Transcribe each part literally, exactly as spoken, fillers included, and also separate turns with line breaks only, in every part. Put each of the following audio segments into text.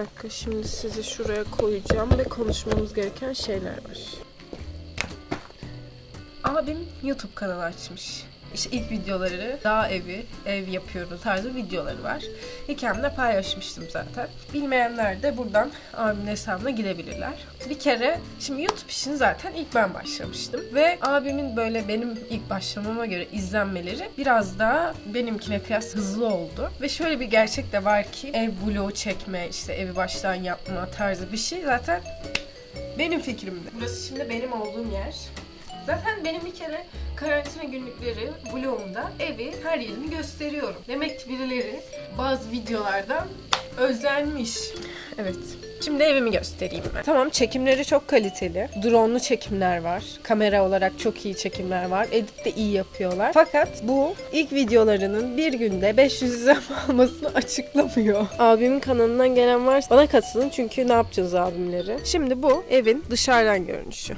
dakika, şimdi sizi şuraya koyacağım ve konuşmamız gereken şeyler var. Abim YouTube kanalı açmış. İşte ilk videoları dağ evi, ev yapıyoruz tarzı videoları var. Hikayemde paylaşmıştım zaten. Bilmeyenler de buradan abimin hesabına gidebilirler. Bir kere, şimdi YouTube işini zaten ilk ben başlamıştım. Ve abimin böyle benim ilk başlamama göre izlenmeleri biraz daha benimkine kıyas hızlı oldu. Ve şöyle bir gerçek de var ki ev vlogu çekme, işte evi baştan yapma tarzı bir şey zaten benim fikrimdi. Burası şimdi benim olduğum yer. Zaten benim bir kere karantina günlükleri vlogumda evi, her yerini gösteriyorum. Demek ki birileri bazı videolardan özlenmiş. Evet. Şimdi evimi göstereyim ben. Tamam, çekimleri çok kaliteli. Drone'lu çekimler var. Kamera olarak çok iyi çekimler var. Edit de iyi yapıyorlar. Fakat bu ilk videolarının bir günde beş yüz izlenme almasını açıklamıyor. Abimin kanalından gelen varsa bana katılın, çünkü ne yapacağız abimleri? Şimdi bu evin dışarıdan görünüşü.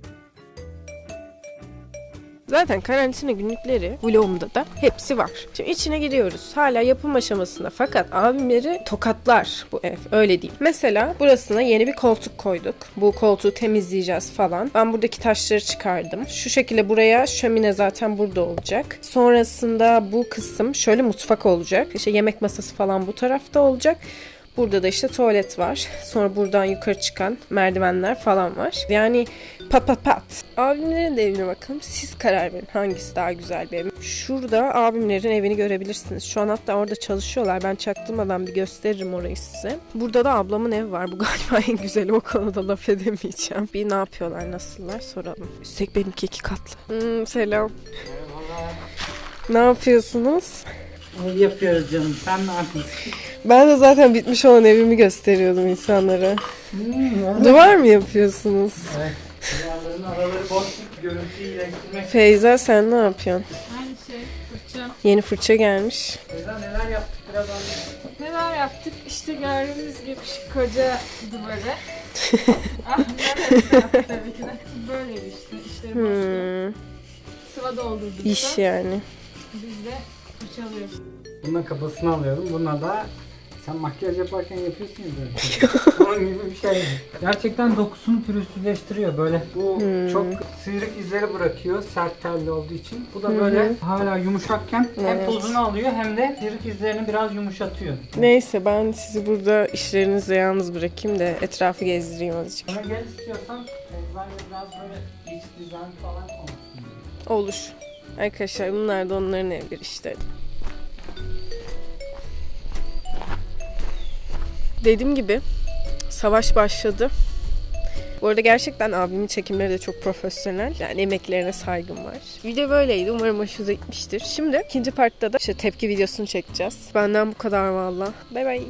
Zaten karantina günlükleri vlogumda da hepsi var. Şimdi içine giriyoruz. Hala yapım aşamasında, fakat abimleri tokatlar bu ev. Öyle değil. Mesela burasına yeni bir koltuk koyduk. Bu koltuğu temizleyeceğiz falan. Ben buradaki taşları çıkardım. Şu şekilde buraya şömine zaten burada olacak. Sonrasında bu kısım şöyle mutfak olacak. İşte yemek masası falan bu tarafta olacak. Burada da işte tuvalet var. Sonra buradan yukarı çıkan merdivenler falan var. Yani pat pat pat. Abimlerin de evine bakalım. Siz karar verin hangisi daha güzel bir ev. Şurada abimlerin evini görebilirsiniz. Şu an hatta orada çalışıyorlar. Ben çaktırmadan bir gösteririm orayı size. Burada da ablamın evi var. Bu galiba en güzeli. O konuda laf edemeyeceğim. Bir ne yapıyorlar, nasıllar soralım. Üstelik benimki iki katlı. Hmm, selam.
Merhabalar.
Ne yapıyorsunuz?
Ev yapıyoruz canım. Sen ne yapıyorsun?
Ben de zaten bitmiş olan evimi gösteriyordum insanlara.
Hmm,
Duvar mı yapıyorsunuz?
evet. Duvarların araları boş. Görüntüyü iyileştirmek.
Feyza, sen ne yapıyorsun?
Aynı şey, fırça.
Yeni fırça gelmiş.
Feyza, neler yaptık biraz anlat.
Neler yaptık? İşte gördüğünüz gibi şu koca duvarı. Ah, nerede yaptık tabii ki de. Böyle bir işte. İşleri boştu.
Hmm,
Sıva doldurduk.
iş
da.
yani.
Biz de fırçalıyoruz.
Bunun kafasını alıyorum. Buna da sen makyaj yaparken yapıyorsun ya böyle. Onun gibi bir şey. Gerçekten dokusunu pürüzsüzleştiriyor böyle. Bu
Hmm.
çok sıyrık izleri bırakıyor sert telli olduğu için. Bu da böyle hala yumuşakken hem
Evet.
tozunu alıyor hem de sıyrık izlerini biraz yumuşatıyor.
Neyse, ben sizi burada işlerinizle yalnız bırakayım da etrafı gezdireyim azıcık.
Sonra gel istiyorsan Feyza'yla biraz böyle iç dizayn falan konuşsun.
Olur. Arkadaşlar, bunlar da onların evleri işte. Dediğim gibi savaş başladı. Bu arada gerçekten abimin çekimleri de çok profesyonel. Yani emeklerine saygım var. Video böyleydi. Umarım hoşunuza gitmiştir. Şimdi ikinci partta da işte tepki videosunu çekeceğiz. Benden bu kadar valla. Bay bay.